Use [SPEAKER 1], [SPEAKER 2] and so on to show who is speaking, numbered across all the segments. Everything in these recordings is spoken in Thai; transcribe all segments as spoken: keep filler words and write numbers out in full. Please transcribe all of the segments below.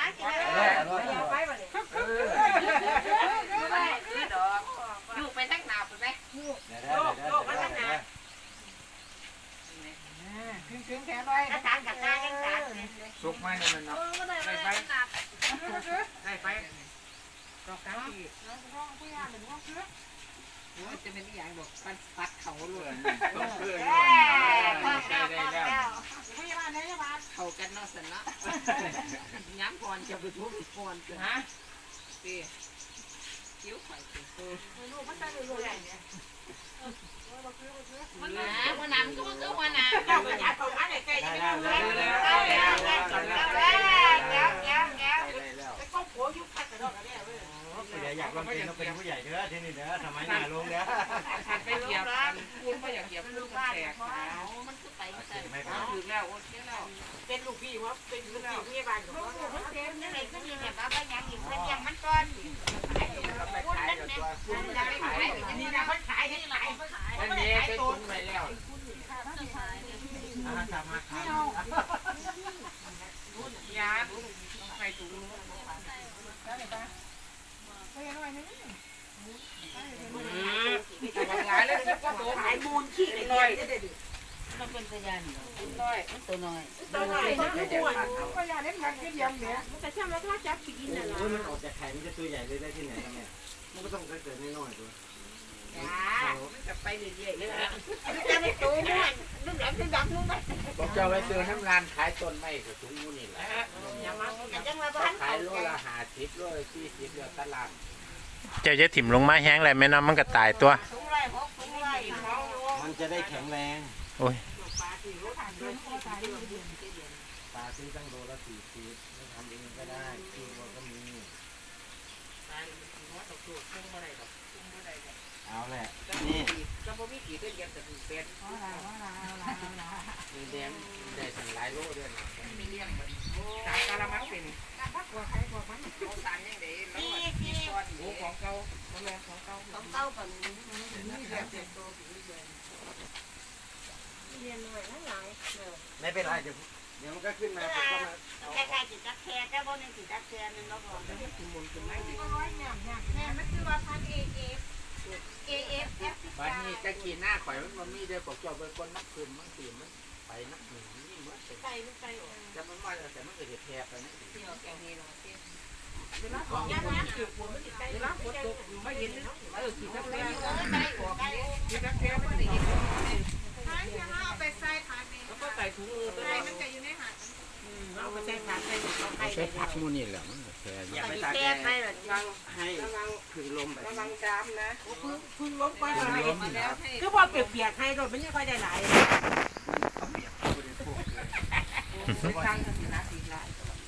[SPEAKER 1] อยู่ไปทั้งหนาวไปไหมโลกโลกมาทั้งหนาวขึ้นขึ้นแขนไว้กระถางกระถางกระถางสุกไหมเนี่ยมันเนาะได้ไฟได้ไฟก็กลางที่จะเป็นอย่างบอกปัดปัดเขาเลยเขากันเนาะสันนะย้ำก่อนจะไปทุบก่อนฮะตีคิ้วไข่ตีมันได้เลยเนี่ยมันน้ำมันน้ำก็มันก็มันน้ำเจ้าก็อยากเอาอันไหนใกล้จะไม่รู้เลยแล้วแล้วแล้วแล้วแล้วไปก้มหัวยุบพัดกระโดดกันเนี่ยผู้ใหญ่อยากลองเป็นเราเป็นผู้ใหญ่เด้อที่นี่เด้อทำไมหน้าลงเด้อฉันไปเหยียบคุณก็อยากเหยียบลูกบ้านเขามันคือไปใส่ถึงแล้วโอเคแล้วเป็นลูกพี่ว่าเป็นลูกพี่พี่บ้านของเขามันเต็มนี่เลยก็มีแบบว่าไปยังอีกเพื่อนยังมันก้อนคุณนั่นเนี่ยคุณจะไปขายนี่นะเขาขายที่ไหนเขาขายมันขายตัวไปแล้วทำมาขายยาไปถุงหลายเลยก็ตัวขายมูลขี้น้อยมันเป็นตัวยันน้อยมันตัวน้อยตัวน้อยมันคือตัวก็ยาเล็กมันคือเดียมเนี่ยมันจะช่างแล้วก็จับกินน่ะโอ้ยมันออกจากไข่มันจะตัวใหญ่เลยได้ที่ไหนเนี่ยมันก็ต้องเกิดน้อยๆตัวจ้ามันจะไปเรื่อยๆเลยจะไม่ตัวน้อยนึกแหลมนึกดำนึกไปบอกจะไปซื้อน้ำร้านขายต้นไม้กับถุงมูนี่แหละขายโลละห้าสิบโลละสี่สิบเดือนตลาด
[SPEAKER 2] เจ้าจะถิ่มลงมาแห้งอะไรแม่น้ำมันก็ตายตัว
[SPEAKER 3] มันจะได้แข็งแรง
[SPEAKER 2] โอ้ย
[SPEAKER 3] ปลาซื้อตั้งโลละสี่สิบไม่ทำเองก็ได้ซื้อมาก็มีเอาแหละนี่
[SPEAKER 1] ก็บ่มีกี่เดือนยังจะถึงเป็นมีแดงได้ถึงหลายโลด้วยนะมีเลี้ยงมันสายกะละมังเป็นพักกว่าใครกว่ามันเขาสารยังไงแล้วมีก้อนหมูของเก่าของแม่ของเก่าของเก่าแบบนี้นี่แบบเต็มโตเรียนหน่อยนั่งหลัง
[SPEAKER 3] ไม่เป็นไรเดี๋ยวเดี๋ยวมันก็ขึ้นมาผมก็มา
[SPEAKER 1] แค่แค่จิตจักแค่แค่บ่นึงจิตจักแค่นึงแล้วก็ถึงมุนถึงไม่ดีแม่มันคือว่าพันเอเอฟเอเอฟเอฟบ้านนี้จะกินหน้าข่อยมันมันมีเดียวปกจอบเป็นคนนักคืนมันตีมันไปนักหนึ่งนี่มันไปมันไปจะมันว่าแต่มันเกิดเหตุแทบไปนะที่เราแกงนี่เราเตี้ยเวลาของยาน้ำเกี่ยวกับมันติดใจเวลาฝนตกไม่เห็นเออกินจักแค่กินจักแค่ไม่ได้กินถ้าจะเอาไปใส่ผักนี่แล้วก็ใส่ถุงมือตัวนี้มันจะอยู่ในหัดเอาไปใส่ผักใส่ใส่ผักมูนี่แหละมันแค่อย่าไปตัดแก้ให้ให้พึ่งลมไประวังจามนะพึ่งพึ่งลมไปแล้วคือพอเปียกๆให้รถมันไม่ค่อยได้หลายตั้งกันนะสีลาย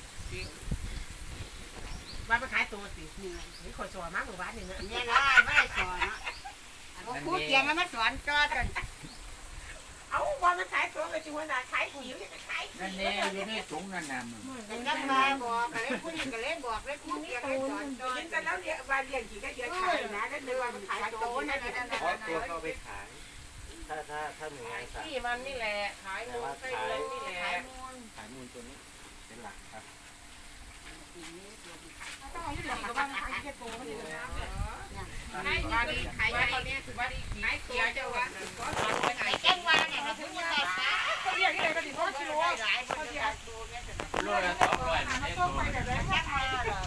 [SPEAKER 1] ว่าไปขายตัวสินี่ขอสอนมากกว่าบ้านนี่นะเนี่ยได้ไม่ได้สอนนะครูเกียงแล้วมาสอนจอดกันเอาว่ามันขายตัวไปชวนนะขายผิวจะขายนั่นเนี่ยอยู่ในถุงนั่นน่ะมันก็มาบอกกันเลยคุณก็เล่นบอกเลยคุณเกียงให้สอนจอดกันแล้วเนี่ยบ้านเลี้ยงกี่ก็เยอะขายนะนั่นเลยว่ามันขายตัวนั่นนั่นนั่นเพราะตัวเขาไปขายถ้าถ้าถ้าหนึ่งงานสั่งที่มันนี่แหละขายมูลขายนี่แหละขายมูลขายมูลตัวนี้เป็นหลักครับต้องเอาอยู่หลังกับบ้านขายแค่ตัวมันเลยนะขายบ้านนี้ขายตอนนี้ถือว่าดีขายเขียวเจ้าว่าขายแก้งวางเนี่ยเราถึงจะขายปลาเขาเรียกที่ไหนก็ดีเพราะกิโลหลายเขาเรียกโลละสองร้อยมันต้องไปแบบนั้นแค่ไหน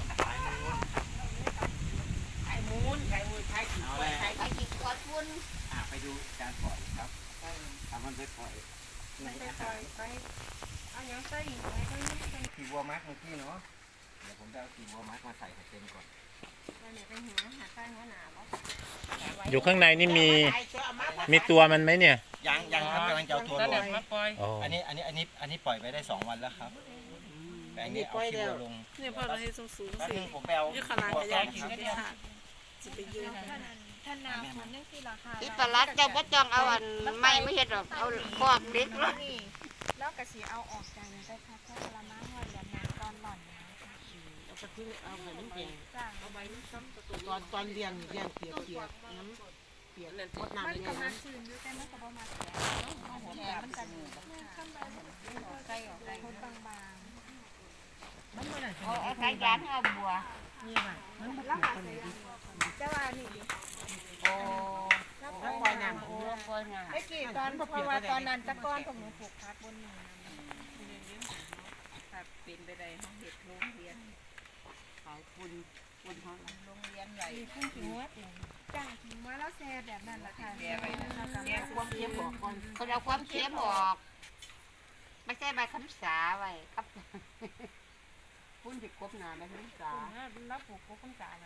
[SPEAKER 1] ขายมูลขายมูลขายขี้ขายขี้ขวดวุ้นอ่าไปดูการปล่อยครับทำมันไปปล่อยไหนอาหารไปเอาอย่างใส่อีกไหนก็นี่ขี้วัวมัดเมื่อกี้เนาะเดี๋ยวผมจะเอาขี้วัวมัดมาใส่ให้เต็มก่อน
[SPEAKER 2] อยู่ข้างในนี่มีมีตัวมันไหมเนี่ย
[SPEAKER 3] ยังยังครับกำลังจะเอาตัวลงอันนี้อันนี้อันนี้อันนี้ปล่อยไปได้สองวันแล้วครับแต่อันนี้เอาขี้วัวลง
[SPEAKER 4] เนี่ยพอเราให้สูงสูงสิ
[SPEAKER 3] ผมไปเอา
[SPEAKER 4] ยี่ขนาดใหญ่กินได้ค่ะจะไปยืน
[SPEAKER 5] ท่านนาคนนึงที่ราคา
[SPEAKER 1] อีปลาเจ้าบ่จ้องเอาอันไม่ไม่เห็ดหรอกเอาครอบเล็กแล้ว
[SPEAKER 5] แล้วกระสีเอาออกจากนี้ได้ค่ะเพราะละม้าว่าอย่าน้ำตอนหล่อนนะ
[SPEAKER 1] เอาไปทิ้งเอาไปน้ำแข็งเอาไปน้ำซ้ำตอนตอนเลี้ยงเลี้ยงเปียกเปียกน้ำเปียกหมดน้ำเลยนะ
[SPEAKER 5] มันชื้นด้วยแต่มันก็บ่มาแข็งแข็งมันจะข้ามไปใส่ออกได้คนบาง
[SPEAKER 1] เอาเอาสายยางเอาบัว
[SPEAKER 5] แล้วหาใส่จะว่านี่ดิ
[SPEAKER 1] โอ้แล้วปล่อยน้ำโอ้ปล่อยน้ำ
[SPEAKER 5] ไอ้กี่ตอนเพราะว่าตอนนั้นตะก้อนของหนูปลูกพักบนนี้
[SPEAKER 4] ถ้าเป็นไปได้ห้องเห็ดโรงเรียน
[SPEAKER 1] ขายคุณคุณเขา
[SPEAKER 4] โรงเรียนใหญ่
[SPEAKER 5] มีพุ่งถึงว่าจ้างถึงมาแล้วแซ่แบบนั้นแหละค่ะ
[SPEAKER 4] แก่ไปนะแก่
[SPEAKER 1] ความเค็มออกก่อนเขาเอาความเค็มออก ไม่ใช่ใบคำสาไว้ครับ พุ่นจะกบหนาใบคำสา
[SPEAKER 5] แล้วปลูกก็ต้องจ่ายเลย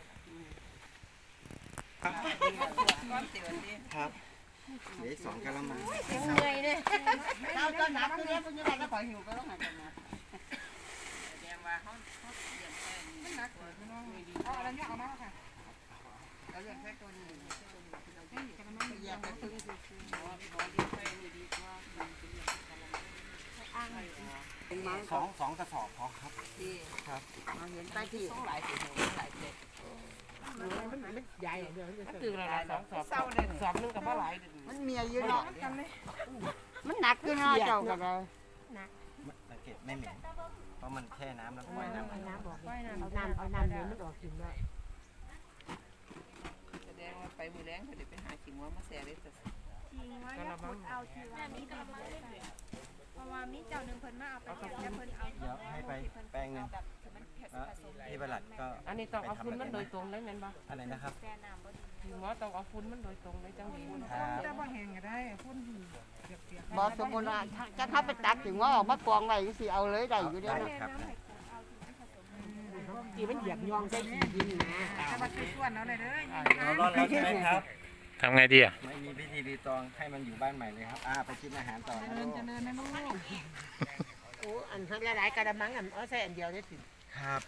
[SPEAKER 4] ก้อนเสียวนี่
[SPEAKER 3] ครับเหลือสองกะละมัง
[SPEAKER 5] เสียงเหนื่อยเลย
[SPEAKER 1] เราจะนับเรื่องพวกนี้ได้ก็ขอหิวก็ต้องหากันนะ
[SPEAKER 4] แสดงว่าเขาเขาเลี้ยงแค่นี้
[SPEAKER 5] เอาอะไรเนี่ยเอามาค่ะ
[SPEAKER 1] เราเรียกแค่ตัวนี้อยากไปพึ่งคืออ้าง
[SPEAKER 3] สองสองกระสอบพอครับ
[SPEAKER 1] ที่
[SPEAKER 3] ครับ
[SPEAKER 1] เราเห็นไปที่หลายสิบหลายเจ็ด
[SPEAKER 6] ใหญ่เดี๋ยวจะ
[SPEAKER 1] ตื่นแล้วสองสอบ
[SPEAKER 6] เศร้าเลยสอบนึงกับว่าหลาย
[SPEAKER 1] มันเมียอยู่เนาะมันหนักอยู่เนาะเจ้าก็เลย
[SPEAKER 3] สังเกตไม่เหม็นเพราะมันแช่น้ำแล้วปล่อยน้ำ
[SPEAKER 6] น้ำบอกเอาน้ำเอาน้ำเดี๋ยวมันออกกินได้
[SPEAKER 4] แสดงว่าไปมือแรงเขาเดี๋ยวไปหาขิงว่ามาแซ่ได้แต่
[SPEAKER 5] จริงว่าอย่าพูดเอาทีว่ามีดีเพราะว่ามีเจ้าหนึ่งเพิ่นมาเอาไปแล้วเพิ่นเอา
[SPEAKER 3] เดี๋ยวให้ไปแป้งหนึ่งแล้วพี่ประหลัดก็
[SPEAKER 6] อันนี้ต้องเอาฟุ้นมันโดยตรงเลยแม่นบ่
[SPEAKER 3] อะไรนะครับ
[SPEAKER 5] แซ่น้ำบ่ดี
[SPEAKER 6] ถึงว่าต้องเอาฟุ้นมันโดยตรงเลยจังดี
[SPEAKER 3] ครับ
[SPEAKER 6] จะบ่แห้งก็ได้ฟุ้นเปียก
[SPEAKER 1] บอกสมมุติว่าจะเข้าไปตักถึงว่าออกมากองไว้สิเอาเลยได้อยู่เด้อ
[SPEAKER 3] ได้
[SPEAKER 1] เนาะ
[SPEAKER 3] ครับ
[SPEAKER 6] ๆที่มันเหยียบยองใส่ขี้ดินนะ
[SPEAKER 5] ถ้ามาซื้อส่วนเอาเลยเด้อ
[SPEAKER 3] เรารอดแล้วใช่ไหมครับ
[SPEAKER 2] ทำไงดีอ่ะ
[SPEAKER 3] ไม่มีพิธีรีตองให้มันอยู่บ้านใหม่เลยครับอ่าไปกินอาหารต่อนะลูก
[SPEAKER 6] โอ้อันทั้งหลายๆกระมังอันเอาใส่อันเดียวได้ถึง
[SPEAKER 3] ครับ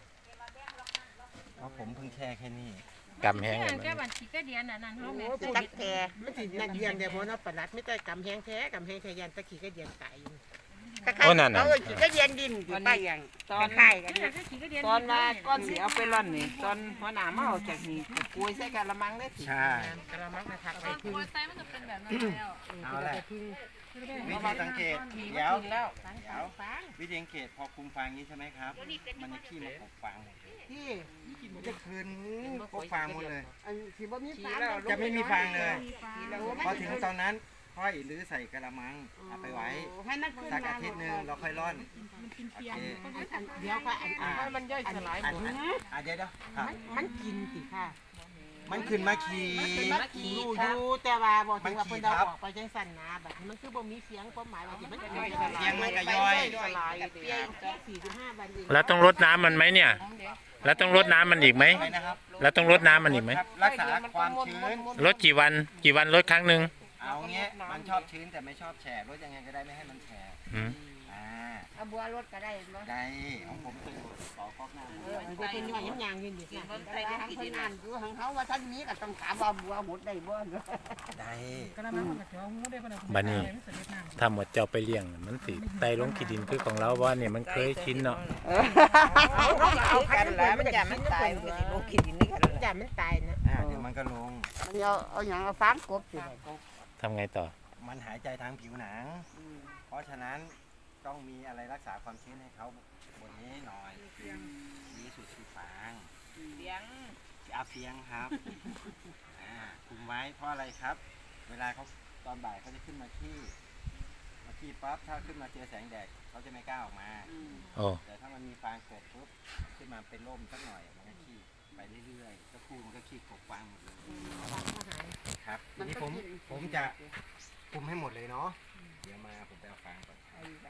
[SPEAKER 3] เพราะผมเพิ่งแช่แค่นี้
[SPEAKER 2] กำแห้งกัน
[SPEAKER 5] แค่บัญชีก็เดียนอันนั้นเฮาแม่
[SPEAKER 1] ตักแก
[SPEAKER 6] มันสินักเรียนเดี๋ยวพอเนาะประหลัดไม่ได้กำแห้งแท้กำแห้งแท้ยันตะขี้ก็เดียนตายอยู่
[SPEAKER 2] โอ้นั่นน่ะ
[SPEAKER 1] เออก็เย็นดินอยู่ไปอย่าง
[SPEAKER 4] ตอน
[SPEAKER 1] ไข่กัน
[SPEAKER 5] แค่ขี้ก็เดียน
[SPEAKER 4] ตอนมาก้อนสีเอาไปร่อนนี่ตอนหัวหน้ามาออกจากนี่ก็กุยใส่กะละมังได้สิ
[SPEAKER 3] ใช่
[SPEAKER 6] กระมังนะครับไปพึ่ง
[SPEAKER 5] ไส้มันจะเป็นแบบนั้นแล้ว
[SPEAKER 3] เอาแหละ
[SPEAKER 6] ไปพึ่ง
[SPEAKER 3] วิธีสังเกตเดี๋ยว
[SPEAKER 4] กินแล้ว
[SPEAKER 3] เดี๋ยววิธีสังเกตพอคุมฟางนี้ใช่ไหมครับ มันจะขี้มาปกฟางหมดเลย
[SPEAKER 6] ที่
[SPEAKER 3] มันจะคืนปกฟางหมดเลย
[SPEAKER 6] อันที่บ่มี
[SPEAKER 4] ขี้
[SPEAKER 6] ฟ้า
[SPEAKER 4] แล้ว
[SPEAKER 3] จะไม่มีฟางเลย
[SPEAKER 4] ขี้แล้ว
[SPEAKER 3] พอถึงตอนนั้นค่อยหรือใส่กระมังเอาไปไว้
[SPEAKER 1] ให้มันขึ้น
[SPEAKER 3] สัก
[SPEAKER 1] มา
[SPEAKER 3] อาทิตย์หนึ่งเราค่อยร่อนโอเค
[SPEAKER 6] อันเดียวค่ะอันอัน
[SPEAKER 4] ให้มันย่อยสลายห
[SPEAKER 3] อัน
[SPEAKER 4] มด
[SPEAKER 3] อันอ่ะเดี๋ยวเดี๋ยวครับ
[SPEAKER 6] มันมันกินสิค่ะ
[SPEAKER 3] มันขึ้นมาขี่
[SPEAKER 6] มันกินอยู่อยู่แต่ว่าบอกถึงว่าเพิ่นเอาออกไปจังสั่นนะบัดนี้มันคือบ่มีเสียงความหมายว่าสิมันจะย่อยสลาย
[SPEAKER 3] เสียงมันก็ย่อย
[SPEAKER 6] สลายเปียแค่สี่สิบห้าวันเอง
[SPEAKER 2] แล้วต้องรดน้ำมันไหมเนี่ย แล้วต้องรดน้ำมันอีกไหม
[SPEAKER 3] ไปนะครับ
[SPEAKER 2] แล้วต้องรดน้ำมันอีกไหม
[SPEAKER 3] ครับรักษาความชื้น
[SPEAKER 2] รดกี่วันกี่วันรดครั้งหนึ่ง
[SPEAKER 3] เอาเงี้ยมันชอบชื้นแต่ไม่ชอบแฉะรดยังไงก็ได้ไม่ให้มันแฉะ
[SPEAKER 2] อืม
[SPEAKER 3] อ่า
[SPEAKER 1] เอาบัวรถก็ได้บ่
[SPEAKER 3] ได้ของผมเป็นต่อก๊อกน้ำ
[SPEAKER 6] เดี๋ยวเป็นย่อยยางๆอยู่นี่
[SPEAKER 4] กิน
[SPEAKER 6] ค่ะ
[SPEAKER 4] มัน
[SPEAKER 1] แต่
[SPEAKER 4] ใส่ได้
[SPEAKER 1] ทาง
[SPEAKER 4] กี่
[SPEAKER 1] เพิ่
[SPEAKER 4] ดิ
[SPEAKER 1] น
[SPEAKER 4] น
[SPEAKER 1] อ่านอยู่ของเขาว่าท่านนี้ก็ต้องถามว่าบัวหมดได้บ่เนาะ
[SPEAKER 3] ได้
[SPEAKER 2] บัดนี้ถ้าหมดเจ้าไปเลี้ยงมันสิไตลงขี้ดินคือของเราว่าเนี่ยมันเคยชินเนาะ
[SPEAKER 4] เอากันแล้วมันจะมันตายมันก็สิโลกขี้ดินนี่กัน
[SPEAKER 6] อย่ามันตายนะ
[SPEAKER 3] อ่าเดี๋ยวมันก็ลง
[SPEAKER 1] เอาเอาหยังเอาฟางกบสิ
[SPEAKER 2] ทำไงต่อ
[SPEAKER 3] มันหายใจทางผิวหนัง เพราะฉะนั้นต้องมีอะไรรักษาความชื้นให้เขาบนนี้หน่อยดีสุดคือฟาง
[SPEAKER 4] เลี้ยง
[SPEAKER 3] อาเฟียงครับอ่าคุมไว้เพราะอะไรครับ เวลาเขาตอนบ่ายเขาจะขึ้นมาขี้มาขี้ปั๊บถ้าขึ้นมาเจอแสงแดดเขาจะไม่กล้าออกมา
[SPEAKER 2] โอ้
[SPEAKER 3] แต่ถ้ามันมีฟางกบปุ๊บขึ้นมาเป็นร่มสักหน่อยมันก็ขี้ไปเรื่อยๆก็คู่มันก็ขี้กบฟางหมดเลยครับทีนี้ผมผมจะคุมให้หมดเลยเนาะเดี๋ยวมาผมไปเอาฟางก่อน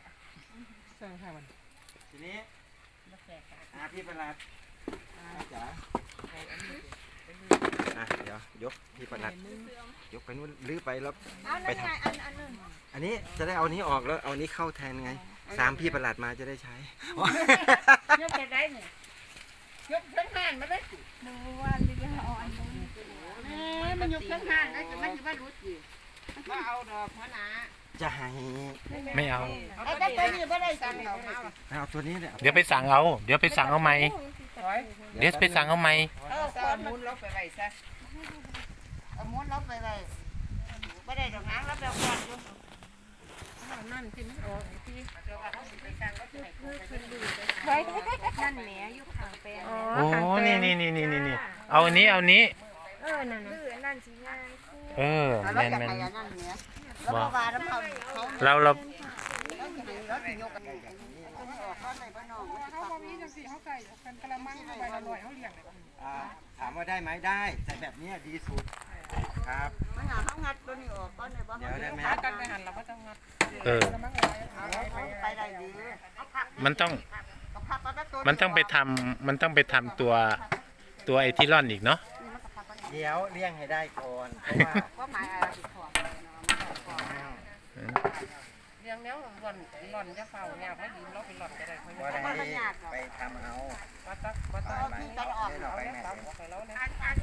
[SPEAKER 3] ทีนี้อาพี่ประหลัดอาจ๋าอ่ะเดี๋ยวยกพี่ประหลัดยกไปนู่นลื้อไปแล้ว
[SPEAKER 5] เอานั่นไงอันอันนึง
[SPEAKER 3] อันนี้จะได้เอานี้ออกแล้วเอานี้เข้าแทนไงสามพี่ประหลัดมาจะได้ใช้
[SPEAKER 1] ยกไปได้นี่ยกทั้งห้านมาได้
[SPEAKER 5] หนูว่าเรืออ่อนลง
[SPEAKER 1] เอ้ยมันยกทั้งห้านได้มันสิว่ารู้สิ
[SPEAKER 4] มาเอาดอกหัวหน้า
[SPEAKER 3] จะให้
[SPEAKER 2] ไม่เอา
[SPEAKER 1] เอาแต่ตัวนี้บ่ได้สั่งเอามา
[SPEAKER 3] เอาตัวนี้เนี่ย
[SPEAKER 2] เดี๋ยวไปสั่งเอา เดี๋ยวไปสั่งเอาใหม่
[SPEAKER 4] ร้อย
[SPEAKER 2] เดี๋ยวไปสั่งเอาใหม่
[SPEAKER 1] เออ
[SPEAKER 4] ต
[SPEAKER 1] ค
[SPEAKER 4] อน
[SPEAKER 1] น
[SPEAKER 4] มุนเราไปไว้ซะ
[SPEAKER 1] เอาม้วนลบไปเลยบ่ได้ดอกหางแล้วแบบก่อนอยู่
[SPEAKER 6] นั่นที่มันออกที่
[SPEAKER 5] ไว้นั่นแหมอยู่ข้างแปลง
[SPEAKER 2] โอ้นี่นี่นี่นี่นี่เอาอันนี้เอานี้
[SPEAKER 5] เออนั่นคือนั่นสิง่ายคู่
[SPEAKER 2] เออ
[SPEAKER 1] แล้ว
[SPEAKER 2] แม่น
[SPEAKER 1] จะ
[SPEAKER 2] แม่น
[SPEAKER 1] ให้อันนั้นเนี่ยแล้วก็ว่าแล้วเขาเขา
[SPEAKER 2] เราเรา
[SPEAKER 1] แล้วจะให้รถยกกันต้องออกข้อในบ้านนอกมันจะ
[SPEAKER 6] เขา
[SPEAKER 1] ขับ
[SPEAKER 6] บ่มีจังซี่เขาใส่กันกะละมังใบละร้อยเขาเลี้ยง
[SPEAKER 3] อ่าถามว่าได้ไหมได้แต่แบบเนี้ยดีสุดครับ
[SPEAKER 1] มันหาเขางัดตัวนี้ออกก้อนในบ้าน
[SPEAKER 3] เดี๋ยวได้ไหม
[SPEAKER 6] หากันไปหันเราก็ต้องงัด
[SPEAKER 2] เออ
[SPEAKER 6] กะละมังหลาย
[SPEAKER 1] ไปได้ดี
[SPEAKER 2] มันต้อง
[SPEAKER 1] ก็พักก็ได้ตัว
[SPEAKER 2] มันต้องไปทำมันต้องไปทำตัวตัวไอทิลอนอีกเนาะ
[SPEAKER 3] เดี๋ยวเลี้ยงให้ได้ก่อนเพราะว่า
[SPEAKER 1] ก็หมายอะไรติดขอบเลยเนาะมันขอบ
[SPEAKER 6] เลี้ยงแล้วหล่อนหล่อนจะเฝ้ายากไม่ดีเราไปหล่อนก็ได้ค่อย
[SPEAKER 3] ว่าได้ไปทำเอา
[SPEAKER 6] ว่าตักว่าตัก
[SPEAKER 3] ไปไปเล่นออกไปแม่
[SPEAKER 6] ตักออกไปแล้วนะ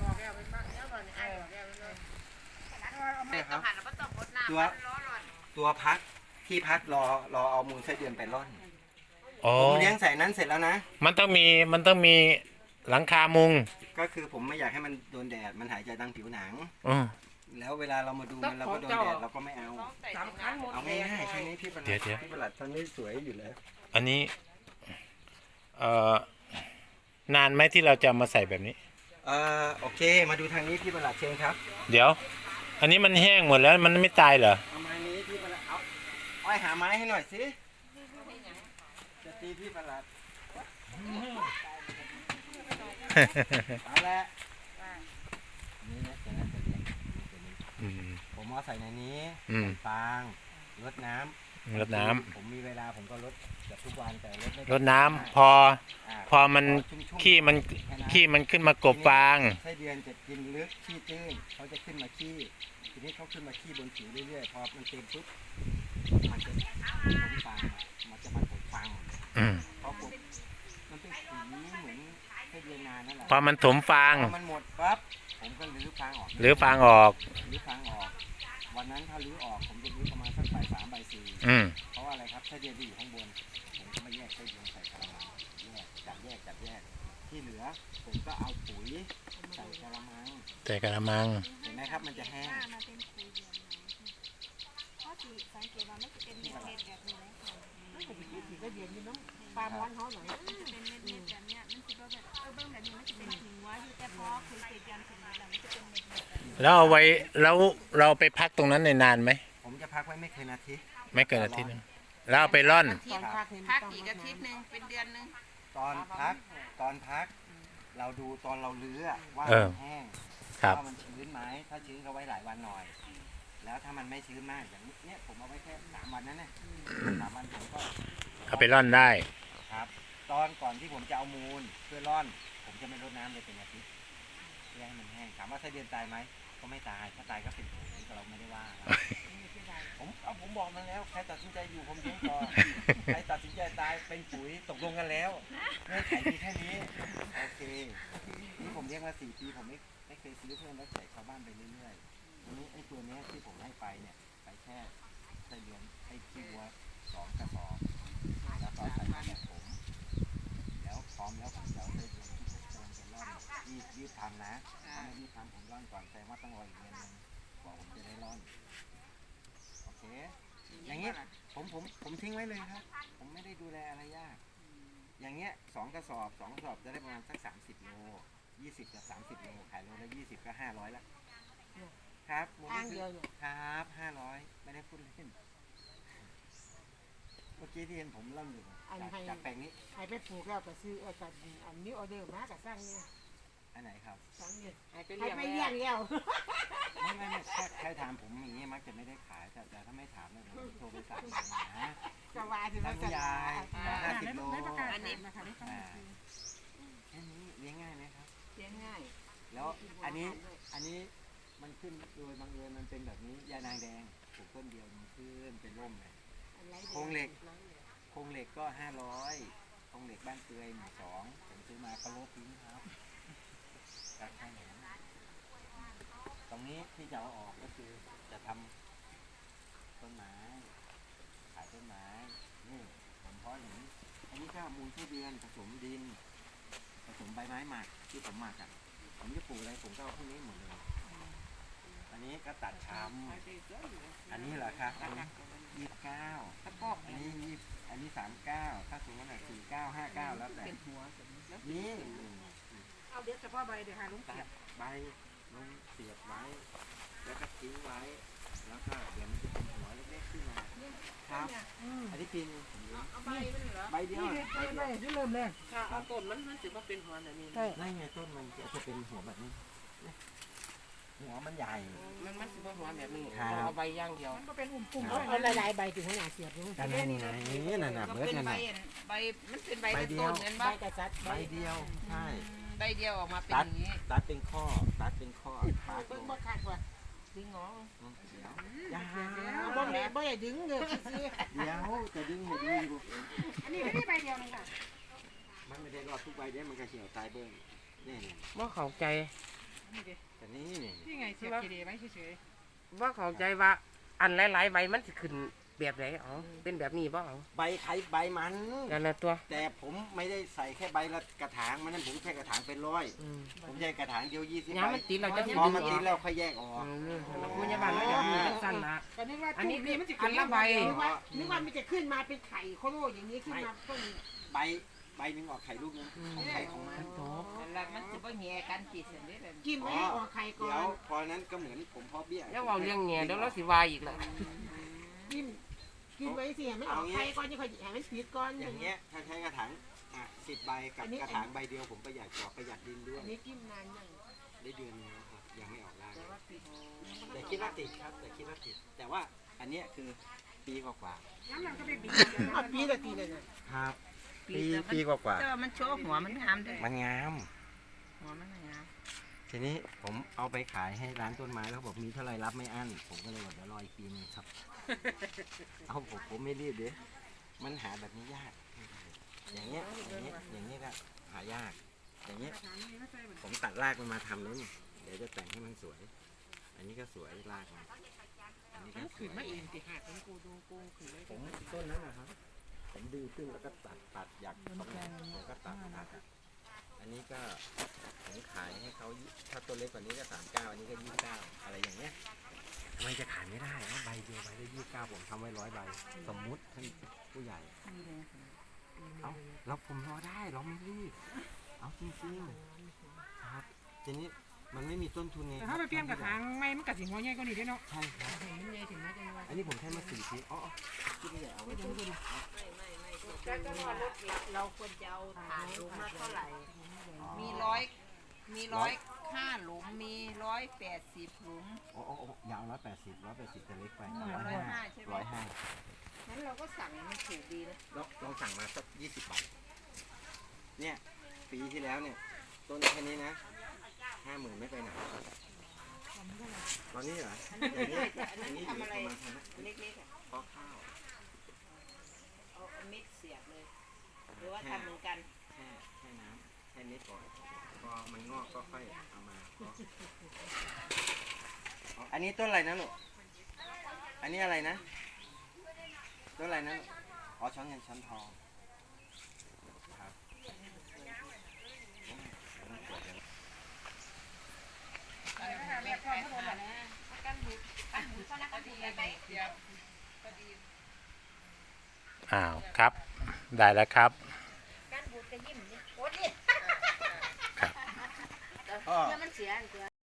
[SPEAKER 3] ตัวตัวพักที่พักรอรอเอามูลไส้เดือนไปร่อน
[SPEAKER 2] อ๋อ
[SPEAKER 3] ผมเลี้ยงใส่นั้นเสร็จแล้วนะ
[SPEAKER 2] มันต้องมีมันต้องมีหลังคามุง
[SPEAKER 3] ก็คือผมไม่อยากให้มันโดนแดดมันหายใจทางผิวหนัง
[SPEAKER 2] อ๋อ
[SPEAKER 3] แล้วเวลาเรามาดูมันเราก็โดนแดดเราก็ไม่เอา
[SPEAKER 6] สำคัญหมด
[SPEAKER 3] เอา
[SPEAKER 6] เลย
[SPEAKER 3] ง่ายๆแค่นี้พี่ประหลัด
[SPEAKER 2] เดี๋ยวเดี๋ยว
[SPEAKER 3] พี่ประหลัดตอนนี้สวยอยู่แล้ว
[SPEAKER 2] อันนี้เอ่อนานไหมที่เราจะมาใส่แบบนี้
[SPEAKER 3] เอ่อโอเค มาดูทางนี้พี่ประหลัดเชิญครับ
[SPEAKER 2] เดี๋ยว อันนี้มันแห้งหมดแล้วมันไม่ตายเหรอ
[SPEAKER 3] เอาไม้นี้พี่ประหลัดเอาอ้อยหาไม้ให้หน่อยสิจะตีพี่ประหลัดเอาละนี่นะเดี๋ยวนะเดี๋ยวนะ
[SPEAKER 2] อืม
[SPEAKER 3] ผมเอาใส่ในนี้
[SPEAKER 2] อืม
[SPEAKER 3] ฟางรดน้ำ
[SPEAKER 2] รดน้ำ
[SPEAKER 3] ผมมีเวลาผมก็รดเกือบทุกวันแต่รดไม่
[SPEAKER 2] รดน้ำพอ
[SPEAKER 3] า
[SPEAKER 2] พอมันขี้มันขี้มันขึ้นมากบฟาง
[SPEAKER 3] ไส้เดือนจะกินลึกขี้ตื้นเขาจะขึ้นมาขี้ทีนี้เขาขึ้นมาขี้บนผิวเรื่อยๆพอมันเต็มปุ๊บมันจะผมฟางมันจะมากบฟาง
[SPEAKER 2] อืม
[SPEAKER 3] พอกบมันเป็นสีเหมือนไส้เดือนนานนั่นแหละ
[SPEAKER 2] พอมันถมฟาง
[SPEAKER 3] พอมันหมดปั๊บผมก็รื้อฟางออก
[SPEAKER 2] หรือฟางออก
[SPEAKER 3] รื้อฟางออก วันนั้นถ้ารื้อออกผมจะรื้อประมาณสักบ่ายสามบ่ายสี่
[SPEAKER 2] อืม
[SPEAKER 3] เพราะว่าอะไรครับไส้เดือนที่อยู่ข้างบน ผมก็มาแยกไส้เดือนใส่กระมังแยกจับแยกจับแยกที่เหลือผมก็เอาปุ๋ยใส่กระมัง
[SPEAKER 2] แต่กระมัง
[SPEAKER 3] เห็นไหมครับมันจะแห้ง
[SPEAKER 5] มาเป็นคุยเดียวเพราะสิสังเกตว่ามันจะเป็นเม็ดเม็ดแบบนี้เลยค่ะ
[SPEAKER 6] สีก็เย็นอยู่เนาะปลาม้อนเขาหน่อย
[SPEAKER 5] มันจะเป็นเม็ดเม็ดแบบเนี้ยมันจะแบบเออเบื้องแบบนี้มันจะเป็นหิงว่าอยู่แต่พอคุยเกยันถึงนี้แล้วมันจะเป็นเม็ดเม็ดแบบนี้
[SPEAKER 2] แล้วเอาไว้แล้วเราไปพักตรงนั้นในนานไหม
[SPEAKER 3] ผมจะพักไว้ไม่เกินอาทิตย์
[SPEAKER 2] ไม่เกินอาทิตย์หนึงแล้วเอาไปร่อน
[SPEAKER 6] ตอนพักนี่
[SPEAKER 4] พัก
[SPEAKER 6] ต้อง
[SPEAKER 4] อีกอาทิตย์หนึ่งเป็นเดือนหนึ่ง
[SPEAKER 3] ตอนพักตอนพัก เราดูตอนเราเลื้อว่า
[SPEAKER 2] เออ
[SPEAKER 3] มันแห้ง
[SPEAKER 2] ครับ
[SPEAKER 3] ว่ามันชื้นไหมถ้าชื้นก็ไว้หลายวันหน่อย แล้วถ้ามันไม่ชื้นมากอย่างนี้เนี่ยผมเอาไว้แค่สามวันนั้นนะสามวันผมก็
[SPEAKER 2] เอาไปร่อนได้
[SPEAKER 3] ครับ ตอนก่อนที่ผมจะเอามูลเพื่อร่อน ผมจะไม่รดน้ำเลยเป็นอาทิตย์เพื่อให้มันแห้งถามว่าไส้เดือนตายไหมก็ไม่ตายถ้าตายก็เป็นผมเราไม่ได้ว่า ผมเอาผมบอกมันแล้วใครตัดสินใจอยู่ผมเลี้ยงต่อ ใครตัดสินใจตายเป็นปุ๋ยตกลงกันแล้วเงื่อนไขมีแค่นี้โอเคนี่ผมเลี้ยงมาสี่ปีผมไม่ไม่เคยซื้อเพิ่มแล้วใส่ชาวบ้านไปเรื่อยๆทีนี้ไอ้ตัวเนี้ยที่ผมให้ไปเนี่ยไปแค่ไส้เดือนไอ้ขี้วัวสองกระสอบแล้วก็ใส่มาแบบผมแล้วพร้อมแล้วผมจะเอาไส้เดือนที่ผมกำลังจะร่อนรีบรีบทำนะถ้าไม่รีบทำผมร่อนก่อนแสดงว่าต้องรออีกเดือนหนึงกว่าผมจะได้ร่อนโอเค อย่างเงี้ยผมผมผมทิ้งไว้เลยครับ ผมไม่ได้ดูแลอะไรยาก อย่างเงี้ยสองกระสอบสองกระสอบจะได้ประมาณสักสามสิบโลยี่สิบกับสามสิบโลขายโลละยี่สิบก็ห้าร้อยละครับมูล
[SPEAKER 6] อ้าง
[SPEAKER 3] นิ
[SPEAKER 6] เดียว
[SPEAKER 3] ธิ
[SPEAKER 6] อยู่
[SPEAKER 3] ครับห้าร้อยไม่ได้พูดเล่นเมื่อกี้ที่เห็นผมเล่าอยู่จากจากแปลงนี้
[SPEAKER 6] ให้ไปปลูกแล้วก็ซื้อเออก็อันนี้ออเดอร์มาก็สร้างเนี่ย
[SPEAKER 3] อันไหนครับ
[SPEAKER 6] สร้างเนี่ย
[SPEAKER 4] ให้ไป
[SPEAKER 6] ให้
[SPEAKER 4] เลี้ยง
[SPEAKER 6] ไปเลี้ยงแล้ว
[SPEAKER 3] ไม่ไม่ไม่แค่แค่ถามผมอย่างนี้มักจะไม่ได้ขายแต่แต่ถ้าไม่ถามเนี่ยผมโทรไปสั่งนะ
[SPEAKER 6] ก็ว่าที่
[SPEAKER 3] ท่า
[SPEAKER 6] ว่าน
[SPEAKER 3] ผู้ใหญ่ห้าสิบโล
[SPEAKER 6] อันนี้นะคะนี่
[SPEAKER 3] อ่าแค่นี้เลี้ยงง่ายไหมครับ
[SPEAKER 4] เลี้ยงง่าย
[SPEAKER 3] แล้วอันนี้อันนี้มันขึ้นโดยบังเอิญมันเป็นแบบนี้ยานางแดงปลูกต้นเดียวมันขึ้นเป็นร่มเลยโครงเหล็กโครงเหล็กก็ห้าร้อยโครงเหล็กบ้านเปื่อยหมู่สองผมซื้อมาก็โลดทิ้งครับกัดแค่ไหนตรงนี้ที่จะเอาออกก็คือจะทำต้นไม้ขายต้นไม้นี่ผมเพาะอย่างนี้อันนี้ก็มูลไส้เดือนผสมดินผสมใบไม้หมักที่ผมหมักอ่ะผมจะปลูกอะไรผมก็เอาพวกนี้หมดเลย อันนี้ก็ตัดช้ำอันนี้เหรอครับอันนี้ยี่สิบเก้า
[SPEAKER 4] ตะกอก
[SPEAKER 3] อันนี้ยี่สิบอันนี้สามเก้าถ้าสูงขนาดสี่เก้าห้าเก้าแล้วแต่
[SPEAKER 4] เป็นหัวแล้ว
[SPEAKER 3] นี่
[SPEAKER 6] เอาเดี๋ยวเฉพาะใบเดี๋ยวหาลุง
[SPEAKER 3] ตั
[SPEAKER 6] เสีย
[SPEAKER 3] ดใบลงเสียบไว้ แล้วก็ทิ้งไว้ แล้วก็เดี๋ยวมันจะเป็นหัวเล็กๆขึ้นมาครับอันนี้ปีน
[SPEAKER 4] เอาใบมันเหรอ
[SPEAKER 3] ใบเดียวใบเดียว
[SPEAKER 6] ที่เริ่มแรก
[SPEAKER 4] ถ้าเอาต้นมันมันสิว่าเป็นหัวแบบนี้
[SPEAKER 3] นั่นไงต้นมันจะจะเป็นหัวแบบนี้ หัวมันใหญ่
[SPEAKER 4] มันมันสิว่าหัวแบบนี้
[SPEAKER 3] ครับ
[SPEAKER 4] เอาใบย่างเดียว
[SPEAKER 6] มันก็เป็นอุ่มปุ่มเอาหลายๆใบถึงขนาดเสียบลุง
[SPEAKER 3] อันนั้นไงนั่นน่ะ
[SPEAKER 4] ก็
[SPEAKER 3] เบิร์ด
[SPEAKER 4] เป็น
[SPEAKER 3] นั่น
[SPEAKER 4] ใบ
[SPEAKER 3] น่ะ
[SPEAKER 4] ใบมันเป็นใบ
[SPEAKER 3] ใบ
[SPEAKER 4] เป็น
[SPEAKER 3] เดียว
[SPEAKER 4] ต้นเห็น
[SPEAKER 6] ใบ
[SPEAKER 4] ปะ
[SPEAKER 6] กระจัด
[SPEAKER 3] ใบเดียว ใช่
[SPEAKER 4] ใบเดียวออกมาเป็น
[SPEAKER 3] ตั
[SPEAKER 4] อ
[SPEAKER 3] ด
[SPEAKER 4] ย่างนี้
[SPEAKER 3] ตัดเป็นข้อ ตัดเป็นข้อปาดล
[SPEAKER 6] เบิ่ง
[SPEAKER 3] ง
[SPEAKER 6] บ่ขาดว่ะ
[SPEAKER 4] ดึงออก
[SPEAKER 3] อืมเดี๋ยวอย่า
[SPEAKER 6] บ่แม่บ่ได้ดึงเลยซื้อ
[SPEAKER 3] เดี๋ยวจะดึงให้ดูอยู่
[SPEAKER 6] อันนี้ไม่ได้ใบเดียวนึงค่ะ
[SPEAKER 3] มันไม่ได้รอดทุกใบเด้มันก็เฉียวตายเบิ้งนี่นี่
[SPEAKER 4] ว่าเข้าใจ
[SPEAKER 3] แต่นี่นี่
[SPEAKER 6] นี่ไงเสียบทีเดียวไว้เฉย
[SPEAKER 4] ว่าเข้าใจว่าอันหลายๆใบมันจะขึ้นแบบไหนอ๋อเป็นแบบนี้บ่เอา
[SPEAKER 3] ใบไข่ใบมัน
[SPEAKER 4] กันละตัว
[SPEAKER 3] แต่ผมไม่ได้ใส่แค่ใบละกระถางมันนั่นผมแค่กระถางเป็นร้อย
[SPEAKER 4] อืม
[SPEAKER 3] ผมใช้กระถางเดียวยี่สิบ
[SPEAKER 4] ย้ำ
[SPEAKER 3] ใบ
[SPEAKER 4] มันติดเราจะ
[SPEAKER 3] พอมันติดแล้วค่อยแยกออก
[SPEAKER 4] อืมแล้วพยาบาลเราอย่างนี้สั้นละ
[SPEAKER 6] ก็นึกว่า
[SPEAKER 4] อันนี้
[SPEAKER 6] นี้มันจะ
[SPEAKER 4] อันละใบ
[SPEAKER 6] นึกว่านึกว่ามันจะขึ้นมาเป็นไข่โคโลอย่างนี้ขึ้นมาต้น
[SPEAKER 3] ใบใบหนึ่งออกไข่ลูกนึงของไข่ของมัน
[SPEAKER 4] แล้วมันจะบ่แง่กันจีเส้นนี้เลย
[SPEAKER 6] กินไว้ออกไข่ก่อ
[SPEAKER 3] เดี๋ยวน พอนั้นก็เหมือนผมเพอเบี้ย
[SPEAKER 4] แล้วเอาเรื่องแง่เดี๋ยวเราสิวายอีกแล้ว
[SPEAKER 6] กินกินไว้สิให้มันออกไข่ก่อนจะค่อยให้มันติดก่อนอา
[SPEAKER 3] อย่ย่าง ง
[SPEAKER 6] เงี้
[SPEAKER 3] เงี้
[SPEAKER 6] ย
[SPEAKER 3] ยถ้าใช้กระถางอ่ะสิบใบกับกระถางใบเดียวผมประหยัดกว่าประหยัดดินด้วย
[SPEAKER 6] อันนี้กินนานยัง
[SPEAKER 3] ได้เดือนนึงแล้วครับยังไม่ออกรากเลยแต่คิดว่าติดครับแต่คิดว่าติด แต่ว่าอันเนี้ยคือปีกว่า
[SPEAKER 6] น้ำมันก็เป็นปีอ่ะปีละปีเลยนะครับ
[SPEAKER 3] ปีปีกว่า
[SPEAKER 4] แต่ว่ามันโชว์หัวมันงามเด้
[SPEAKER 3] มันงาม
[SPEAKER 4] หัวมันงาม
[SPEAKER 3] ทีนี้ผมเอาไปขายให้ร้านต้นไม้แล้วบอกมีเท่าไรรับไม่อั้นผมก็เลยบอกเดี๋ยวรออีกปีนึงครับ เอาผมผมไม่รีบเด้มันหาแบบนี้ยาก อย่างเงี้ยอย่างเงี้ยอย่างเงี้ยก็หายาก อย่างเงี้ยผมตัดรากมันมาทำเลยนี่เดี๋ยวจะแต่งให้มันสวย อันนี้ก็สวยรากมันอันนี้ก็ส
[SPEAKER 6] ขึ้น
[SPEAKER 3] วย
[SPEAKER 6] มาเองติหักมันกูดูกูขึ้นเลย
[SPEAKER 3] ผมต้นนั้นนะครับผมดึงขึ้นแล้วก็ตัดตัดอยากตรงไหนผมก็ตัดตัดอันนี้ก็ผมขายให้เขาถ้าตัวเล็กกว่านี้ก็สามเก้าอันนี้ก็ยี่สิบเก้าอะไรอย่างเงี้ยทำไมจะขายไม่ได้ว่าใบเดียวใบได้ยี่สิบเก้าผมทำไว้ร้อยใบสมมุติท่านผู้ใหญ่เอาเราผมรอได้เราไม่รีบเอาจริงๆครับทีนี้มันไม่มีต้นทุนไง
[SPEAKER 6] แต่ถ้าไปเปลี่ยนกระถางไม่มันกระสิหัวใหญ่กว่านี้ได้เนาะ
[SPEAKER 3] ใช่ครับ
[SPEAKER 6] มันใหญ่ถึงแม้จะว่า
[SPEAKER 3] อันนี้ผมแค่มาสี่ชิ้นอ๋อที่นี่เอาไว้ต้นทุน
[SPEAKER 4] ก็ว่ารถเราควรจะเอาฐานหลุมละเท่าไหร่ มีร้อยมีร้อยห้าหลุมมีร้อยแปดสิบหลุม
[SPEAKER 3] โอ้โอ้ยาวร้อยแปดสิบร้อยแปดสิบจะเล็กไป
[SPEAKER 4] ร้อยห้าใช่ไหม
[SPEAKER 3] ร้อยห้า
[SPEAKER 4] งั้นเราก็สั่งมันถูกดีนะ
[SPEAKER 3] ลองลองสั่งมาสักยี่สิบบาทเนี่ยปีที่แล้วเนี่ยต้นแค่นี้นะห้าหมื่นไม่ไปไหนตอนนี้เหรออย่างนี้อย่างนี้อยู่ประมาณพันนะ
[SPEAKER 4] เล็กๆอ่ะ
[SPEAKER 3] เพราะข้าว
[SPEAKER 4] เอาเม็ดเสียบเลย หรือว่าทำเหมือนกัน
[SPEAKER 3] แค่แค่น้ำแค่นิดก่อนพอมันงอกก็ค่อยเอามาเพาะอ๋ออันนี้ต้นอะไรนะลูกอันนี้อะไรนะต้นอะไรนะลูกอ๋อช้อนเงินช้อนทองครับ
[SPEAKER 2] อ้าวครับ ได้แล้วครับ
[SPEAKER 1] การบูดกระยิ้มนี่โอ้ดิ
[SPEAKER 3] พ่อ
[SPEAKER 1] เดี๋ยวมันเสีย